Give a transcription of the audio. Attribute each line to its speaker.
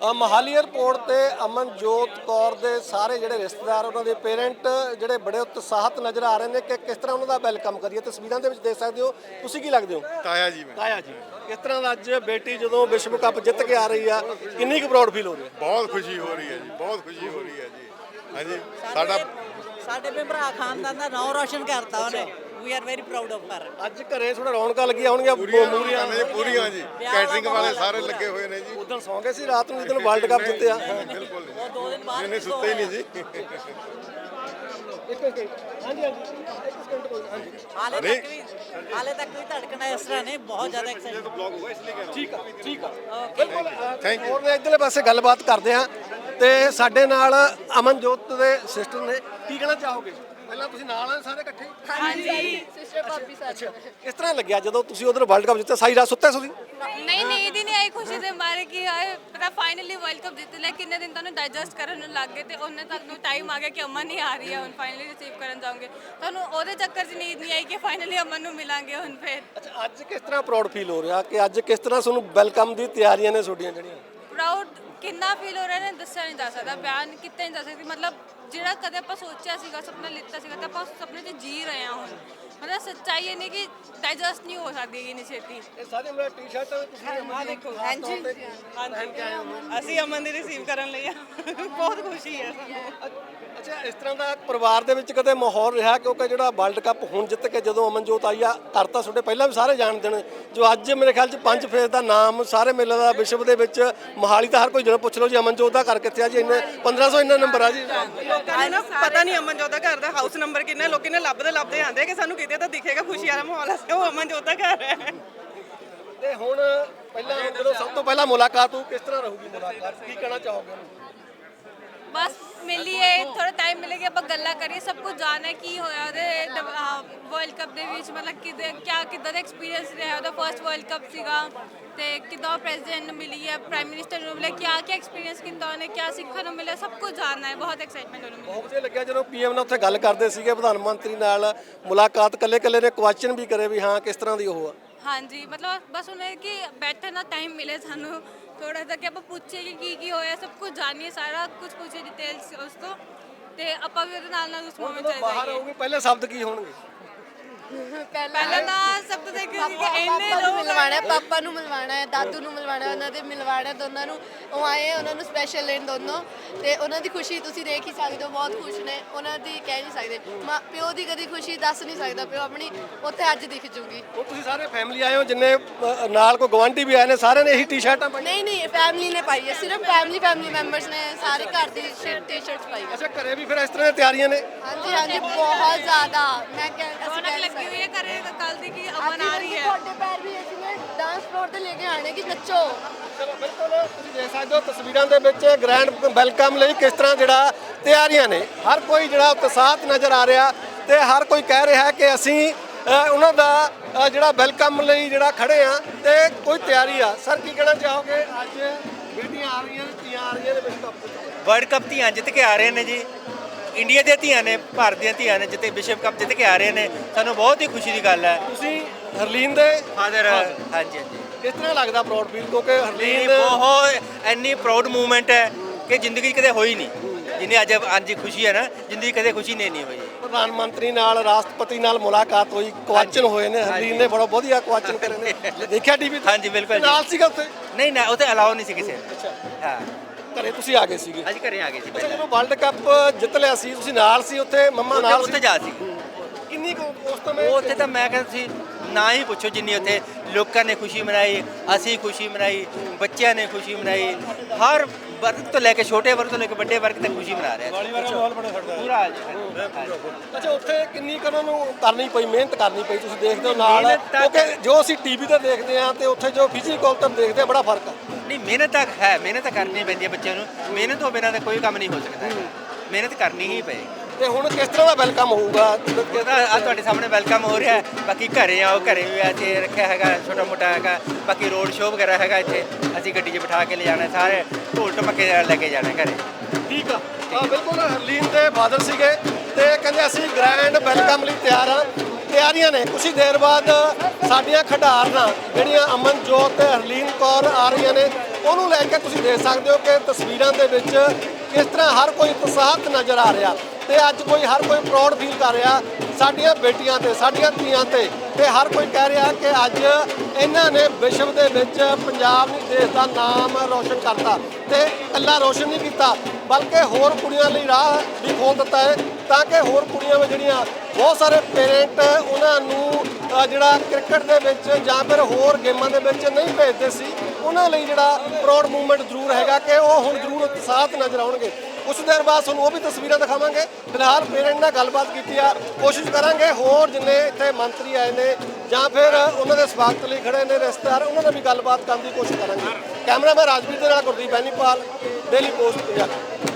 Speaker 1: Mohali airport ਤੇ ਅਮਨਜੋਤ ਕੌਰ ਦੇ ਸਾਰੇ ਜਿਹੜੇ ਰਿਸ਼ਤੇਦਾਰ ਉਹਨਾਂ ਦੇ ਪੇਰੈਂਟ ਜਿਹੜੇ ਬੜੇ ਉਤਸ਼ਾਹਤ ਨਜ਼ਰ ਆ ਰਹੇ ਨੇ ਕਿ ਕਿਸ ਤਰ੍ਹਾਂ ਉਹਨਾਂ ਦਾ ਵੈਲਕਮ ਕਰੀਏ। ਤਸਵੀਰਾਂ ਦੇ ਵਿੱਚ ਦੇਖ ਸਕਦੇ ਹੋ। ਤੁਸੀਂ ਕੀ ਲੱਗਦੇ ਹੋ?
Speaker 2: ਤਾਇਆ ਜੀ ਮੈਂ।
Speaker 1: ਤਾਇਆ ਜੀ, ਕਿਸ ਤਰ੍ਹਾਂ ਦਾ ਅੱਜ ਬੇਟੀ ਜਦੋਂ ਵਿਸ਼ਵ ਕੱਪ ਜਿੱਤ ਕੇ ਆ ਰਹੀ ਆ, ਕਿੰਨੀ ਕੁ ਪ੍ਰਾਊਡ ਫੀਲ ਹੋ ਰਹੀ ਹੈ?
Speaker 2: ਬਹੁਤ ਖੁਸ਼ੀ ਹੋ ਰਹੀ ਹੈ ਜੀ, ਬਹੁਤ ਖੁਸ਼ੀ ਹੋ ਰਹੀ ਹੈ ਜੀ। ਹਾਂਜੀ
Speaker 3: ਸਾਡੇ ਵੀ ਭਰਾ ਖਾਨਦਾਨ ਦਾ ਨਾਮ ਰੋਸ਼ਨ ਕਰਤਾ ਉਹਨੇ। We are very proud of her.
Speaker 1: ਅੱਜ ਘਰੇ ਥੋੜਾ ਰੌਣਕਾਂ ਲੱਗੀਆਂ ਹੋਣਗੀਆਂ
Speaker 2: ਪੂਰੀਆਂ ਜੀ। ਕੈਟਰਿੰਗ ਵਾਲੇ ਸਾਰੇ ਲੱਗੇ ਹੋਏ ਨੇ ਜੀ।
Speaker 1: ਉਦੋਂ ਸੌਂ ਗਏ ਸੀ ਰਾਤ ਨੂੰ ਜਦੋਂ ਵਰਲਡ ਕੱਪ ਜਿੱਤਿਆ?
Speaker 2: ਬਿਲਕੁਲ
Speaker 3: ਉਹ 2 ਦਿਨ ਬਾਅਦ
Speaker 2: ਨਹੀਂ ਸੁੱਤੇ ਹੀ ਨਹੀਂ ਜੀ।
Speaker 3: ਹਾਲੇ ਤੱਕ ਵੀ ਧੜਕਣਾ ਇਸ ਤਰ੍ਹਾਂ ਨੇ, ਬਹੁਤ ਜ਼ਿਆਦਾ ਐਕਸਾਈਟਡ।
Speaker 1: ਠੀਕ ਆ
Speaker 2: ਥੈਂਕ ਯੂ।
Speaker 1: ਹੋਰ ਨੇ ਇੱਧਰਲੇ ਪਾਸੇ ਗੱਲਬਾਤ ਕਰਦੇ ਆ ਤੇ ਸਾਡੇ ਨਾਲ ਅਮਨਜੋਤ ਦੇ ਸਿਸਟਰ ਨੇ। ਕੀ ਕਹਿਣਾ ਚਾਹੋਗੇ? ਪਹਿਲਾਂ ਤੁਸੀਂ ਨਾਲ ਆ ਸਾਰੇ ਇਕੱਠੇ?
Speaker 4: ਹਾਂਜੀ ਸਿਸਟਰ ਭਾਬੀ ਸਾਥ।
Speaker 1: ਕਿਸ ਤਰ੍ਹਾਂ ਲੱਗਿਆ ਜਦੋਂ ਤੁਸੀਂ ਉਧਰ ਵਰਲਡ ਕੱਪ ਜਿੱਤਿਆ? ਸਾਰੀ ਰਾਤ ਸੁੱਤੇ ਸੀ?
Speaker 4: ਨਹੀਂ ਨੀਂਦ ਹੀ ਨਹੀਂ ਆਈ ਖੁਸ਼ੀ ਦੇ ਮਾਰੇ ਕਿ ਹਾਏ ਪਤਾ ਫਾਈਨਲੀ ਵਰਲਡ ਕੱਪ ਜਿੱਤ ਲਿਆ। ਕਿੰਨੇ ਦਿਨ ਤੁਹਾਨੂੰ ਡਾਈਜੈਸਟ ਕਰਨ ਨੂੰ ਲੱਗ ਗਏ ਤੇ ਉਹਨੇ ਤੱਕ ਨੂੰ ਟਾਈਮ ਆ ਗਿਆ ਕਿ ਅਮਨ ਨਹੀਂ ਆ ਰਹੀ ਹੈ, ਹੁਣ ਫਾਈਨਲੀ ਰਿਸੀਵ ਕਰਨ ਜਾਓਗੇ। ਤੁਹਾਨੂੰ ਉਹਦੇ ਚੱਕਰ 'ਚ ਨੀਂਦ ਨਹੀਂ ਆਈ ਕਿ ਫਾਈਨਲੀ ਅਮਨ ਨੂੰ ਮਿਲਾਂਗੇ ਹੁਣ ਫਿਰ।
Speaker 1: ਅੱਛਾ, ਅੱਜ ਕਿਸ ਤਰ੍ਹਾਂ ਪ੍ਰਾਊਡ ਫੀਲ ਹੋ ਰਿਹਾ ਕਿ ਅੱਜ ਕਿਸ ਤਰ੍ਹਾਂ ਤੁਹਾਨੂੰ ਵੈਲਕਮ ਦੀ ਤਿਆਰੀਆਂ ਨੇ ਤੁਹਾਡੀਆਂ ਜਿਹੜੀਆਂ?
Speaker 4: ਪ੍ਰਾਊਡ ਕਿੰਨਾ ਫੀਲ ਹੋ ਰਿਹਾ ਨੇ ਦੱਸਿਆ ਨਹੀਂ ਜਾ ਸਕਦਾ, ਬਿਆਨ ਕੀਤਾ ਨਹੀਂ ਜਾ ਸਕਦਾ। ਮਤਲਬ ਜਿਹੜਾ ਕਦੇ ਆਪਾਂ ਸੋਚਿਆ ਸੀਗਾ, ਸੁਪਨਾ ਲਿੱਤਾ ਸੀਗਾ ਤੇ ਆਪਾਂ ਉਸ ਸੁਪਨੇ 'ਚ ਜੀ ਰਹੇ ਹਾਂ ਹੁਣ। ਮਤਲਬ ਸੱਚਾਈ ਇਹ ਨਹੀਂ ਕਿ ਡਾਈਜੈਸਟ ਨਹੀਂ ਹੋ ਸਕਦੀ ਇੰਨੀ ਛੇਤੀ।
Speaker 1: ਇਹ ਸਾਰੇ ਮੇਰਾ ਟੀ-ਸ਼ਰਟ ਤੁਸੀਂ
Speaker 3: ਦੇਖੋ ਹਾਂਜੀ ਅਸੀਂ ਅਮਨ ਦੀ ਰਿਸੀਵ ਕਰਨ ਲਈ ਆ। ਬਹੁਤ ਖੁਸ਼ੀ ਹੈ ਸਾਨੂੰ।
Speaker 1: ਅੱਛਾ, ਇਸ ਤਰ੍ਹਾਂ ਦਾ ਪਰਿਵਾਰ ਦੇ ਵਿੱਚ ਕਦੇ ਮਾਹੌਲ ਰਿਹਾ? ਕਿਉਂਕਿ ਜਿਹੜਾ ਵਰਲਡ ਕੱਪ ਹੁਣ ਜਿੱਤ ਕੇ ਜਦੋਂ ਅਮਨਜੋਤ ਆਈ ਆ, ਕਰਤਾ ਤੁਹਾਡੇ ਪਹਿਲਾਂ ਵੀ ਸਾਰੇ ਜਾਣਦੇ ਨੇ, ਜੋ ਅੱਜ ਮੇਰੇ ਖਿਆਲ 'ਚ 5 ਫੇਜ਼ ਦਾ ਨਾਮ ਸਾਰੇ ਮੇਲੇ ਦਾ ਵਿਸ਼ਵ ਦੇ ਵਿੱਚ। ਮੋਹਾਲੀ ਤਾਂ ਹਰ ਕੋਈ ਜਦੋਂ ਪੁੱਛ ਲਓ ਜੀ ਅਮਨਜੋਤ ਦਾ ਘਰ ਕਿੱਥੇ ਆ ਜੀ, ਇੰਨੇ 1500 ਇੰਨਾ ਨੰਬਰ ਆ ਜੀ।
Speaker 3: ਲੋਕਾਂ ਨੂੰ ਨਾ ਪਤਾ ਨਹੀਂ ਅਮਨਜੋਤ ਦਾ ਘਰ ਦਾ ਹਾਊਸ ਨੰਬਰ ਕਿੰਨਾ। ਲੋਕੀ ਨੇ ਲੱਭਦੇ ਆਂਦੇ ਕਿ ਸਾਨੂੰ ਕਿਤੇ ਤਾਂ ਦਿਖੇਗਾ ਖੁਸ਼ੀ ਵਾਲਾ ਮਾਹੌਲ ਹੈ, ਉਹ ਅਮਨਜੋਤ ਦਾ ਘਰ ਹੈ।
Speaker 1: ਤੇ ਹੁਣ ਪਹਿਲਾਂ ਜਦੋਂ ਸਭ ਤੋਂ ਪਹਿਲਾਂ ਮੁਲਾਕਾਤ ਹੋ, ਕਿਸ ਤਰ੍ਹਾਂ ਰਹੂਗੀ ਮੁਲਾਕਾਤ? ਕੀ ਕਹਿਣਾ ਚਾਹੋਗੇ?
Speaker 4: ਬਸ ਮਿਲੀਏ, ਥੋੜਾ ਟਾਈਮ ਮਿਲੇਗਾ, ਆਪਾਂ ਗੱਲਾਂ ਕਰੀਏ, ਸਭ ਕੁਝ ਜਾਣੇ ਕੀ ਹੋਇਆ ਉਹਦੇ ਵਰਲਡ ਕੱਪ ਦੇ ਵਿੱਚ। ਮਤਲਬ ਕਿੱਦਾਂ ਦਾ ਐਕਸਪੀਰੀਅੰਸ ਰਿਹਾ ਉਹਦਾ। ਫਰਸਟ ਵਰਲਡ ਕੱਪ ਸੀਗਾ ਤੇ ਕਿੱਦਾਂ ਪ੍ਰੈਜ਼ੀਡੈਂਟ ਨੂੰ ਮਿਲੀ ਹੈ, ਪ੍ਰਾਈਮ ਮਿਨਿਸਟਰ ਨੂੰ ਮਿਲਿਆ, ਕੀ ਐਕਸਪੀਰੀਅੰਸ ਕੀਤਾ ਉਹਨੇ, ਕੀ ਸਿੱਖਣ ਨੂੰ ਮਿਲਿਆ, ਸਭ ਕੁਝ ਜਾਣਨਾ ਹੈ। ਬਹੁਤ ਐਕਸਾਈਟਮੈਂਟ ਉਹਨੂੰ ਮਿਲੀ।
Speaker 1: ਬਹੁਤ ਵਧੀਆ ਲੱਗਿਆ ਜਦੋਂ ਪੀਐਮ ਨਾਲ ਉੱਥੇ ਗੱਲ ਕਰਦੇ ਸੀਗੇ, ਪ੍ਰਧਾਨ ਮੰਤਰੀ ਨਾਲ ਮੁਲਾਕਾਤ ਕੱਲੇ ਨੇ ਕੁਐਸਚਨ ਵੀ ਕਰੇ ਵੀ ਹਾਂ ਕਿਸ ਤਰ੍ਹਾਂ ਦੀ ਉਹ ਆ।
Speaker 4: ਹਾਂਜੀ, ਮਤਲਬ ਬਸ ਉਹਨੇ ਕਿ ਬੈਠਣ ਦਾ ਟਾਈਮ ਮਿਲੇ ਸਾਨੂੰ ਥੋੜਾ ਜਿਹਾ ਕਿ ਆਪਾਂ ਪੁੱਛੀਏ ਕਿ ਕੀ ਹੋਇਆ, ਸਭ ਕੁਝ ਜਾਣੀਏ, ਸਾਰਾ ਕੁਝ ਪੁੱਛੀਏ ਡਿਟੇਲਸ ਉਸ ਤੋਂ, ਤੇ ਆਪਾਂ ਵੀ ਉਹਦੇ ਨਾਲ ਉਸ ਮੂਮੈਂਟ ਚ
Speaker 1: ਬਾਹਰ
Speaker 4: ਜਾਈਏ।
Speaker 1: ਆਉਗੀ ਪਹਿਲੇ ਸ਼ਬਦ ਕੀ ਹੋਣਗੇ?
Speaker 4: ਪਹਿਲਾਂ ਤਾਂ ਸਭ ਤੋਂ ਦੇਖੀ ਸੀ ਕਿ ਇੰਨੇ
Speaker 5: ਪਾਪਾ ਨੂੰ
Speaker 4: ਲੋਕ
Speaker 5: ਮਿਲਵਾਣਾ ਹੈ, ਪਾਪਾ ਨੂੰ ਮਿਲਵਾਣਾ ਹੈ, ਦਾਦੂ ਨੂੰ ਮਿਲਵਾਣਾ ਹੈ, ਉਹਨਾਂ ਦੇ ਮਿਲਵਾਣਾ ਦੋਨਾਂ ਨੂੰ। ਉਹ ਆਏ ਉਹਨਾਂ ਨੂੰ ਸਪੈਸ਼ਲ ਲੈਣ ਦੋਨੋਂ, ਤੇ ਉਹਨਾਂ ਦੀ ਖੁਸ਼ੀ ਤੁਸੀਂ ਦੇਖ ਹੀ ਸਕਦੇ ਹੋ। ਬਹੁਤ ਖੁਸ਼ ਨੇ, ਉਹਨਾਂ ਦੀ ਕਹਿ ਨਹੀਂ ਸਕਦੇ। ਪਿਓ ਦੀ ਕਦੀ ਖੁਸ਼ੀ ਦੱਸ ਨਹੀਂ ਸਕਦਾ, ਪਿਓ ਆਪਣੀ ਉੱਥੇ ਅੱਜ ਦਿਖ ਜੂਗੀ।
Speaker 1: ਉਹ ਤੁਸੀਂ ਸਾਰੇ ਫੈਮਿਲੀ ਆਏ ਹੋ, ਜਿੰਨੇ ਨਾਲ ਕੋਈ ਗਵਾਂਢੀ ਵੀ ਆਏ ਨੇ, ਸਾਰਿਆਂ ਨੇ ਇਹੀ ਟੀ-ਸ਼ਰਟਾਂ ਪਾਈਆਂ?
Speaker 5: ਨਹੀਂ ਫੈਮਿਲੀ ਨੇ ਪਾਈ ਹੈ, ਸਿਰਫ ਫੈਮਿਲੀ ਮੈਂਬਰਸ ਨੇ ਸਾਰੇ ਘਰ ਦੀ ਟੀ-ਸ਼ਰਟਸ ਪਾਈ ਹੈ।
Speaker 1: ਅੱਛਾ, ਘਰੇ ਵੀ ਫਿਰ ਇਸ ਤਰ੍ਹਾਂ ਦੀਆਂ ਤਿਆਰੀਆਂ ਨੇ?
Speaker 5: ਹਾਂਜੀ ਬਹੁਤ ਜ਼ਿਆਦਾ। ਮੈਂ
Speaker 4: ਰੌਣਕ ਲੱਗੀ ਹੋਈ ਹੈ ਘਰੇ ਕੱਲ ਦੀ ਕਿ ਅਮਨ ਆ ਰਹੀ ਹੈ।
Speaker 5: ਤੁਹਾਡੇ ਪੈਰ ਵੀ ਅਸੀਂ ਨੇ ਡਾਂਸ ਫਲੋਰ ਤੇ ਲੈ ਕੇ ਆਣੇ ਕਿ ਨੱਚੋ।
Speaker 1: ਚਲੋ ਬਿਲਕੁਲ, ਤੁਸੀਂ ਦੇਖ ਸਕਦੇ ਹੋ ਤਸਵੀਰਾਂ ਦੇ ਵਿੱਚ ਗ੍ਰੈਂਡ ਵੈਲਕਮ ਲਈ ਕਿਸ ਤਰ੍ਹਾਂ ਜਿਹੜਾ ਤਿਆਰੀਆਂ ਨੇ। ਹਰ ਕੋਈ ਜਿਹੜਾ ਉਤਸ਼ਾਹਤ ਨਜ਼ਰ ਆ ਰਿਹਾ ਤੇ ਹਰ ਕੋਈ ਕਹਿ ਰਿਹਾ ਕਿ ਅਸੀਂ ਉਹਨਾਂ ਦਾ ਜਿਹੜਾ ਵੈਲਕਮ ਲਈ ਜਿਹੜਾ ਖੜੇ ਆ ਤੇ ਕੋਈ ਤਿਆਰੀ ਆ। ਸਰ ਕੀ ਕਹਿਣਾ ਚਾਹੋਗੇ? ਅੱਜ ਬੇਟੀਆਂ ਆ ਰਹੀਆਂ ਨੇ, ਧੀਆਂ ਆ ਰਹੀਆਂ ਨੇ ਵਿਸ਼ਵ ਕੱਪ।
Speaker 6: ਵਰਲਡ ਕੱਪ ਧੀਆਂ ਜਿੱਤ ਕੇ ਆ ਰਹੇ ਨੇ ਜੀ। ਇੰਡੀਆ ਦੀਆਂ ਧੀਆਂ ਨੇ, ਭਾਰਤ ਦੀਆਂ ਧੀਆਂ ਨੇ, ਜਿੱਤੇ ਵਿਸ਼ਵ ਕੱਪ ਜਿੱਤ ਕੇ ਆ ਰਹੇ ਨੇ। ਸਾਨੂੰ ਬਹੁਤ ਹੀ ਖੁਸ਼ੀ ਦੀ ਗੱਲ ਹੈ।
Speaker 1: ਤੁਸੀਂ ਹਰਲੀਨ ਦੇ
Speaker 6: ਫਾਦਰ? ਹਾਂਜੀ।
Speaker 1: ਕਿਸ ਤਰ੍ਹਾਂ ਲੱਗਦਾ ਪ੍ਰਾਊਡ ਫੀਲ? ਕਿਉਂਕਿ ਹਰਲੀਨ
Speaker 6: ਬਹੁਤ ਇੰਨੀ ਪ੍ਰਾਊਡ ਮੂਵਮੈਂਟ ਹੈ ਕਿ ਜ਼ਿੰਦਗੀ 'ਚ ਕਦੇ ਹੋਈ ਨਹੀਂ ਜਿੰਨੀ ਅੱਜ ਖੁਸ਼ੀ ਹੈ ਨਾ, ਜ਼ਿੰਦਗੀ ਕਦੇ ਖੁਸ਼ੀ ਨਹੀਂ ਹੋਈ।
Speaker 1: ਪ੍ਰਧਾਨ ਮੰਤਰੀ ਨਾਲ, ਰਾਸ਼ਟਰਪਤੀ ਨਾਲ ਮੁਲਾਕਾਤ ਹੋਈ, ਕੁਐਸਚਨ ਹੋਏ ਨੇ। ਹਰਲੀਨ ਨੇ ਬੜਾ ਵਧੀਆ ਕੁਐਸਚਨ ਕਰੇ ਨੇ, ਦੇਖਿਆ ਟੀਵੀ ਤੇ?
Speaker 6: ਹਾਂਜੀ ਬਿਲਕੁਲ।
Speaker 1: ਨਾਲ ਸੀਗਾ ਉੱਥੇ?
Speaker 6: ਨਹੀਂ ਨਾ, ਉੱਥੇ ਅਲਾਓ ਨਹੀਂ ਸੀ ਕਿਸੇ ਨੂੰ।
Speaker 1: ਅੱਛਾ,
Speaker 6: ਹਾਂ,
Speaker 1: ਘਰੇ ਤੁਸੀਂ ਆ ਗਏ ਸੀਗੇ?
Speaker 6: ਅੱਜ ਘਰੇ ਆ ਗਏ ਸੀ
Speaker 1: ਅੱਛਾ,
Speaker 6: ਪਹਿਲਾਂ।
Speaker 1: ਜਦੋਂ ਵਰਲਡ ਕੱਪ ਜਿੱਤ ਲਿਆ ਸੀ ਤੁਸੀਂ ਨਾਲ ਸੀ ਉੱਥੇ? ਮੰਮਾ ਨਾਲ
Speaker 6: ਉੱਥੇ
Speaker 1: ਸੀ?
Speaker 6: ਜਾ ਸੀ
Speaker 1: ਕਿੰਨੀ ਕੁ ਉਸ ਸਮੇਂ?
Speaker 6: ਉੱਥੇ ਤਾਂ ਮੈਂ ਕਹਿੰਦਾ ਸੀ ਨਾ ਹੀ ਪੁੱਛੋ ਜਿੰਨੀ ਉੱਥੇ ਲੋਕਾਂ ਨੇ ਖੁਸ਼ੀ ਮਨਾਈ, ਅਸੀਂ ਖੁਸ਼ੀ ਮਨਾਈ, ਬੱਚਿਆਂ ਨੇ ਖੁਸ਼ੀ ਮਨਾਈ। ਹਰ ਵਰਗ ਤੋਂ ਲੈ ਕੇ ਛੋਟੇ ਵਰਗ ਤੋਂ ਲੈ ਕੇ ਵੱਡੇ ਵਰਗ ਤੱਕ ਖੁਸ਼ੀ ਮਨਾ ਰਿਹਾ ਪੂਰਾ।
Speaker 1: ਅੱਛਾ, ਉੱਥੇ ਕਿੰਨੀ ਕੁ ਉਹਨਾਂ ਨੂੰ ਕਰਨੀ ਪਈ, ਮਿਹਨਤ ਕਰਨੀ ਪਈ? ਤੁਸੀਂ ਦੇਖਦੇ ਹੋ ਨਾਲ, ਕਿਉਂਕਿ ਜੋ ਅਸੀਂ ਟੀਵੀ ਤੇ ਦੇਖਦੇ ਆ ਤੇ ਉੱਥੇ ਜੋ ਫਿਜ਼ੀਕਲ ਤੇ ਦੇਖਦੇ ਆ, ਬੜਾ ਫਰਕ ਆ।
Speaker 6: ਨਹੀਂ, ਮਿਹਨਤ ਤਾਂ ਹੈ, ਮਿਹਨਤ ਤਾਂ ਕਰਨੀ ਪੈਂਦੀ ਹੈ ਬੱਚਿਆਂ ਨੂੰ। ਮਿਹਨਤ ਤੋਂ ਬਿਨਾਂ ਤਾਂ ਕੋਈ ਕੰਮ ਨਹੀਂ ਹੋ ਸਕਦਾ, ਮਿਹਨਤ ਕਰਨੀ ਹੀ ਪਏਗੀ।
Speaker 1: ਤੇ ਹੁਣ ਕਿਸ ਤਰ੍ਹਾਂ ਦਾ ਵੈਲਕਮ ਹੋਊਗਾ?
Speaker 6: ਆ ਤੁਹਾਡੇ ਸਾਹਮਣੇ ਵੈਲਕਮ ਹੋ ਰਿਹਾ। ਬਾਕੀ ਘਰੇ ਆਓ, ਘਰੇ ਵੀ ਇੱਥੇ ਰੱਖਿਆ ਹੈਗਾ ਛੋਟਾ ਮੋਟਾ ਹੈਗਾ। ਬਾਕੀ ਰੋਡ ਸ਼ੋਅ ਵਗੈਰਾ ਹੈਗਾ ਇੱਥੇ, ਅਸੀਂ ਗੱਡੀ 'ਚ ਬਿਠਾ ਕੇ ਲੈ ਜਾਣਾ, ਸਾਰੇ ਢੋਲ ਢਮੱਕੇ ਲੈ ਕੇ ਜਾਣਾ ਘਰੇ।
Speaker 1: ਠੀਕ ਆ, ਬਿਲਕੁਲ। ਹਰਲੀਨ ਦੇ ਫਾਦਰ ਸੀਗੇ ਤੇ ਕਹਿੰਦੇ ਅਸੀਂ ਗ੍ਰੈਂਡ ਵੈਲਕਮ ਲਈ ਤਿਆਰ ਹਾਂ। ਤਿਆਰੀਆਂ ਨੇ, ਕੁਝ ਦੇਰ ਬਾਅਦ ਸਾਡੀਆਂ ਖਿਡਾਰਨਾਂ ਜਿਹੜੀਆਂ ਅਮਨਜੋਤ ਤੇ ਹਰਲੀਨ ਕੌਰ ਆ ਰਹੀਆਂ ਨੇ ਉਹਨੂੰ ਲੈ ਕੇ ਤੁਸੀਂ ਦੇਖ ਸਕਦੇ ਹੋ ਕਿ ਤਸਵੀਰਾਂ ਦੇ ਵਿੱਚ ਕਿਸ ਤਰ੍ਹਾਂ ਹਰ ਕੋਈ ਉਤਸ਼ਾਹਤ ਨਜ਼ਰ ਆ ਰਿਹਾ ਤੇ ਅੱਜ ਹਰ ਕੋਈ ਪ੍ਰਾਊਡ ਫੀਲ ਕਰ ਰਿਹਾ ਸਾਡੀਆਂ ਬੇਟੀਆਂ ਤੇ ਸਾਡੀਆਂ ਧੀਆਂ ਤੇ ਹਰ ਕੋਈ ਕਹਿ ਰਿਹਾ ਕਿ ਅੱਜ ਇਹਨਾਂ ਨੇ ਵਿਸ਼ਵ ਦੇ ਵਿੱਚ ਪੰਜਾਬ ਨੂੰ ਦੇਸ਼ ਦਾ ਨਾਮ ਰੋਸ਼ਨ ਕਰਤਾ ਤੇ ਇਕੱਲਾ ਰੋਸ਼ਨ ਨਹੀਂ ਕੀਤਾ ਬਲਕਿ ਹੋਰ ਕੁੜੀਆਂ ਲਈ ਰਾਹ ਵੀ ਖੋਲ੍ਹ ਦਿੱਤਾ ਹੈ ਤਾਂ ਕਿ ਹੋਰ ਕੁੜੀਆਂ ਵੀ ਜਿਹੜੀਆਂ ਬਹੁਤ ਸਾਰੇ ਪੇਰੈਂਟ ਉਹਨਾਂ ਨੂੰ ਜਿਹੜਾ ਕ੍ਰਿਕਟ ਦੇ ਵਿੱਚ ਜਾਂ ਫਿਰ ਹੋਰ ਗੇਮਾਂ ਦੇ ਵਿੱਚ ਨਹੀਂ ਭੇਜਦੇ ਸੀ ਉਹਨਾਂ ਲਈ ਜਿਹੜਾ ਪ੍ਰਾਊਡ ਮੂਵਮੈਂਟ ਜ਼ਰੂਰ ਹੈਗਾ ਕਿ ਉਹ ਹੁਣ ਜ਼ਰੂਰ ਉਤਸ਼ਾਹਤ ਨਜ਼ਰ ਆਉਣਗੇ। ਕੁਛ ਦੇਰ ਬਾਅਦ ਤੁਹਾਨੂੰ ਉਹ ਵੀ ਤਸਵੀਰਾਂ ਦਿਖਾਵਾਂਗੇ। ਫਿਲਹਾਲ ਪੇਰੈਂਟ ਨਾਲ ਗੱਲਬਾਤ ਕੀਤੀ ਆ, ਕੋਸ਼ਿਸ਼ ਕਰਾਂਗੇ ਹੋਰ ਜਿੰਨੇ ਇੱਥੇ ਮੰਤਰੀ ਆਏ ਨੇ ਜਾਂ ਫਿਰ ਉਹਨਾਂ ਦੇ ਸਵਾਗਤ ਲਈ ਖੜੇ ਨੇ ਰਿਸ਼ਤੇਦਾਰ ਉਹਨਾਂ ਨਾਲ ਵੀ ਗੱਲਬਾਤ ਕਰਨ ਦੀ ਕੋਸ਼ਿਸ਼ ਕਰਾਂਗੇ। ਕੈਮਰਾਮੈਨ ਰਾਜਵੀਰ ਦੇ ਨਾਲ ਗੁਰਦੀਪ ਬੈਨੀਪਾਲ, ਡੇਲੀ ਪੋਸਟ ਪੰਜਾਬ।